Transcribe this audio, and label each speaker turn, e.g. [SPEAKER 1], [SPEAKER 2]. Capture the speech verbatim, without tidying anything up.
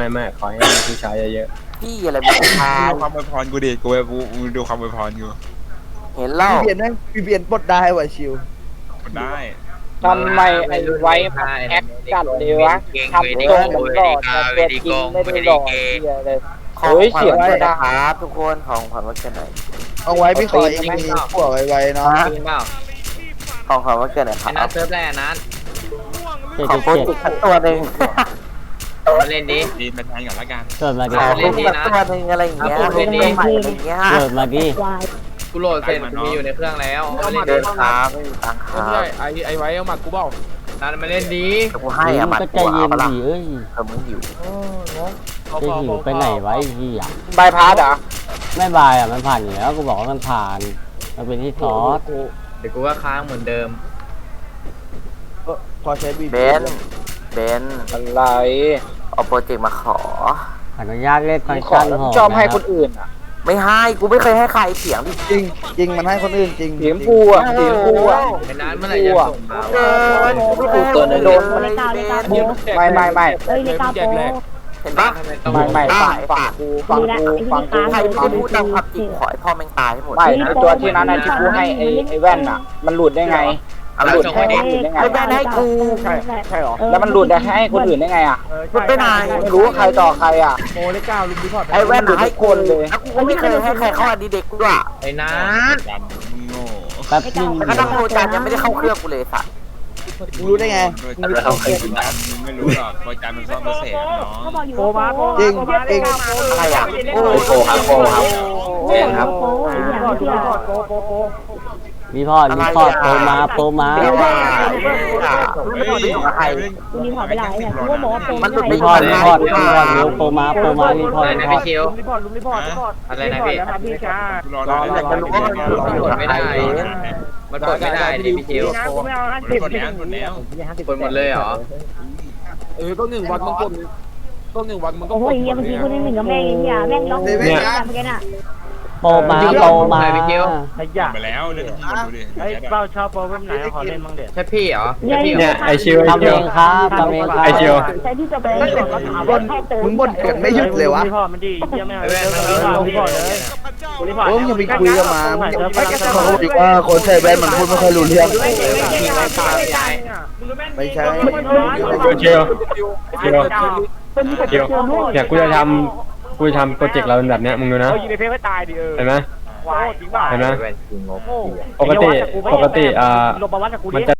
[SPEAKER 1] ไม่ไม่ขอให้มีผู้ชายเยอะ
[SPEAKER 2] พี่อะไรมึงพา
[SPEAKER 3] ดูความอวยพรกูดิกูกูกูดูความอวยพรกู
[SPEAKER 2] เห็นเล่า
[SPEAKER 4] พี่เบียนแม่งพี่เบียนปลดได้ว่ะชิว
[SPEAKER 3] มันได้
[SPEAKER 5] ทำไมไอ้ไว้มันแอคจัดเลยวะทำตรงเหมือนหล่อแต่ตัวจริงไม่ได้หล่อเหี้ยเลย
[SPEAKER 2] ของ
[SPEAKER 5] เฮ้ย
[SPEAKER 2] ขวั
[SPEAKER 5] เสี
[SPEAKER 2] ญ
[SPEAKER 5] ยง
[SPEAKER 2] วัน
[SPEAKER 5] จะ
[SPEAKER 2] เกิด
[SPEAKER 5] ดัง
[SPEAKER 2] นะครับทุกคนของขวัญวันเกิดหน่อย
[SPEAKER 4] เอาไว้พี่ขอเองมีผัวไวๆเนาะ
[SPEAKER 6] จริงเปล่า
[SPEAKER 2] ของขวัญวันเกิดหน่อยค
[SPEAKER 6] ไอ้นั
[SPEAKER 2] รั
[SPEAKER 6] ท
[SPEAKER 2] บ
[SPEAKER 6] เซิร์ฟแรกนัท
[SPEAKER 7] เจ็ด
[SPEAKER 2] ขอ
[SPEAKER 7] เจ็ด
[SPEAKER 2] โปร
[SPEAKER 7] เจ็ด
[SPEAKER 2] เจกต์สักตัวหนึ่ง
[SPEAKER 6] มาเล่นดิ
[SPEAKER 3] ดีเป็นแทนก่อนละกัน
[SPEAKER 7] เกิดมา
[SPEAKER 2] ข
[SPEAKER 7] ดิ
[SPEAKER 2] อโปรเจกต์สักตัวหนึ่งอะไรอย่างเงี้ย
[SPEAKER 6] เอาโปรเจกต์นี้
[SPEAKER 2] ใหม่อะไรอย่างเงี้ย
[SPEAKER 7] เกิดมาดิ
[SPEAKER 6] กูโหลดเสร็จกูมีอยู่ในเครื่องแล้วมาเล่น
[SPEAKER 2] เดิ
[SPEAKER 6] ดิ
[SPEAKER 2] นครับไม่มีตังค์ครับ
[SPEAKER 8] ใช่ไอไอไว้เอามากูเปล่า
[SPEAKER 6] นัทมาเล่นดิ
[SPEAKER 2] แต่กูให้อะ
[SPEAKER 7] มึ
[SPEAKER 2] มั
[SPEAKER 7] ง
[SPEAKER 2] ด
[SPEAKER 7] ก็ใจ
[SPEAKER 2] กู
[SPEAKER 7] เย็
[SPEAKER 2] เอา
[SPEAKER 7] น
[SPEAKER 2] ปะล่ะ
[SPEAKER 7] ดิเอ้ย
[SPEAKER 2] เออมึงหิว
[SPEAKER 7] จะหิวไปไหนไวะไอ้เหี้ย
[SPEAKER 5] บายพาสเหรอ
[SPEAKER 7] ไม่บายอ่ะมันผ่านอยู่แล้วกูบอกว่ามันผ่านมันเป็นที่ซอส
[SPEAKER 6] เดี๋ยวกูก็ค้างเหมือนเดิม
[SPEAKER 4] พอใช้บี
[SPEAKER 2] เบนเบน
[SPEAKER 5] อะไร
[SPEAKER 2] เอาโปรเจกต์มาขอ
[SPEAKER 7] อนุญาตเล่นฟังก์
[SPEAKER 5] ขอ
[SPEAKER 7] ชัน
[SPEAKER 5] แล้ว
[SPEAKER 7] หอ
[SPEAKER 5] ชอบให้คนอื่นอ่ะ
[SPEAKER 2] ไม่ให้กูไม่เคยให้ใครเสียงดิ
[SPEAKER 4] จริงจริงมันให้คนอื่นจริง
[SPEAKER 5] สีชมพูอ่ะสีชมพูอ่ะ
[SPEAKER 6] ไอ้นัทเมื่อไหร่จะส่งมา
[SPEAKER 2] เกินกูไม่เคย
[SPEAKER 5] ตัวหนึ่ง
[SPEAKER 2] โดนเลย
[SPEAKER 9] เลข
[SPEAKER 2] เบ
[SPEAKER 9] เก้าเลขเก้า
[SPEAKER 2] น
[SPEAKER 5] ไม่ไม่ไม่
[SPEAKER 9] เอ้ยเลขเก้าโปร
[SPEAKER 2] เห็นปะ
[SPEAKER 6] ทำไมต้อง
[SPEAKER 5] ไม่ไม่
[SPEAKER 2] อ่ะ
[SPEAKER 5] ฝั่งฝั่งกูฝั่งกูฝั่งกู
[SPEAKER 2] ใครไม่ได้พูดตามความจริงขอให้พ่อแม่งตายให้หมด
[SPEAKER 5] ไม่ไอ้ตัวที่นั้นนะที่กูให้ไอ้ไอ้แว่นอ่ะ มันหลุดได้ไง
[SPEAKER 2] อะไร
[SPEAKER 5] หลุด
[SPEAKER 2] ส่ง
[SPEAKER 5] ให้
[SPEAKER 2] ไป
[SPEAKER 5] คน
[SPEAKER 2] ดิ
[SPEAKER 5] อื่นได้ไง
[SPEAKER 2] ไม่ได้ให้กู
[SPEAKER 4] ใช่ใช่หรอ
[SPEAKER 5] แล้วมันหลุดได้ให้คนอื่นได้ไงอ่ะ
[SPEAKER 2] มันไปไหน
[SPEAKER 5] ไม่รู้ว่าใครต่อใครอ่ะ
[SPEAKER 4] โอ้เลขเก้าลุงดีพอร์ต
[SPEAKER 2] ไอ้แว่น
[SPEAKER 5] หลุด
[SPEAKER 2] ให้
[SPEAKER 5] ทุกคนเลย
[SPEAKER 2] แล้วกูก็ไม่เคยให้ใครเข้าอดีเด็กกูด้วย
[SPEAKER 6] ไอ้นัท
[SPEAKER 3] จำมึงโง่
[SPEAKER 7] แป๊บนึง
[SPEAKER 2] แล้วก็ตั้งโปรจานยังไม่ได้เข้าเครื่องกูเลยสัตว์
[SPEAKER 4] รู้ได้ไง
[SPEAKER 3] โดยจำมึงมึงไม่รู้หรอกโดยจำมันซ่อมเปอร์เซ็นต์น้อง
[SPEAKER 9] เขาบอกอยู่
[SPEAKER 4] โปร
[SPEAKER 9] ว่า
[SPEAKER 4] มา
[SPEAKER 9] โปร
[SPEAKER 4] จริงจริง
[SPEAKER 2] อะไรอ่ะโอ้
[SPEAKER 5] โปรครับโปรครับ
[SPEAKER 9] โปรครับโปรไอ้เนี่ยไม่เชื่อ
[SPEAKER 7] มีพอดมีพอดโปรมาโปรมา
[SPEAKER 2] เดี๋ยวว่า
[SPEAKER 3] เฮ้ย
[SPEAKER 2] ใคร
[SPEAKER 9] กูรีพอร์ตไปหลายเนี่ยกูก็บอกว่าโปร
[SPEAKER 2] มันหลุด
[SPEAKER 7] มี
[SPEAKER 2] ไม่
[SPEAKER 7] พอดมีพอดมีพอดเร็วโปรมาโปรมามีพอ
[SPEAKER 6] อะ
[SPEAKER 7] ด
[SPEAKER 6] ไร
[SPEAKER 7] มี
[SPEAKER 6] นะ
[SPEAKER 7] พอ
[SPEAKER 6] พี่
[SPEAKER 7] ด
[SPEAKER 6] คิว
[SPEAKER 4] รีพอร์ตลุงรีพอร์ตรีพอร์ต
[SPEAKER 6] อะไรนะพี่
[SPEAKER 4] ครับพี่ช้า
[SPEAKER 3] รอรอ
[SPEAKER 2] อยากจะรู้ว่ามันหลุด
[SPEAKER 6] มันกดไม่ได้ มันกดไม่ได้ดิพี่คิว
[SPEAKER 4] กูไม่เอาห้า
[SPEAKER 3] หม
[SPEAKER 4] สิบ
[SPEAKER 3] ดแล้วหมดแล้ว
[SPEAKER 6] กดหมดเลยเหรอ
[SPEAKER 8] เออต้องหนึ่งวันมึงกดต้องหนึ่งวันมึงก็
[SPEAKER 9] โอ้โหไอ้เหี้ยเมื่อกี้คนนึงหนึ่งกับแม่งไอ้เหี้ยแม่งล็อกกูเนี่ยเมื่อกี้น่ะ
[SPEAKER 7] โปรมาโปรมา
[SPEAKER 3] หมดไปแล้วเรื่องที่มันดูดิ
[SPEAKER 4] ไอ้เป้าชอบโปรเว็บไหนขอเล่นบ้างเด็ด
[SPEAKER 6] ใช่พี่เหรอ
[SPEAKER 9] เนี่ย
[SPEAKER 6] ใช่พี่เหร
[SPEAKER 9] เนี่
[SPEAKER 6] อย
[SPEAKER 1] ไอชิวไอ
[SPEAKER 7] ทำ
[SPEAKER 1] ชิ
[SPEAKER 7] เอ
[SPEAKER 1] ว
[SPEAKER 7] งครับทำเองครับ
[SPEAKER 1] ไอชิว
[SPEAKER 9] ใช้ที่จะไปก็ถาม
[SPEAKER 4] บ่
[SPEAKER 9] ว่าน
[SPEAKER 4] มึงบ่นกันไม่หยุดเลยวะ
[SPEAKER 8] รีพอร์ตมันดีเยี่ยมไม่เอา
[SPEAKER 6] ไอ้แว่นมัน
[SPEAKER 8] รี
[SPEAKER 6] เริ่ม
[SPEAKER 8] พอร์ตเลยรีพอร์ต
[SPEAKER 4] โอ้ยอย่าไปคุยกับมามึงอย่าไปเขาบอกว่าคนใส่แว่นมันพูดไม่ค่อยรู้เรื่อง ไม่ใช่
[SPEAKER 1] เชียวเชียวเชียวเนี่ยกูจะทำกูจะทำโปรเจกต์เราเป็นแบบเนี้ยมึงดูนะ
[SPEAKER 8] เขายิงในเพจให้ตายดิเออ
[SPEAKER 1] เห็นไหม
[SPEAKER 8] วายจริงป่ะ
[SPEAKER 1] เห็นไหม
[SPEAKER 6] แว่นจริงงบ
[SPEAKER 1] ปกติปกติอ่า
[SPEAKER 8] ลงประวัติกับกู
[SPEAKER 1] มัน
[SPEAKER 8] ดิ
[SPEAKER 1] จะ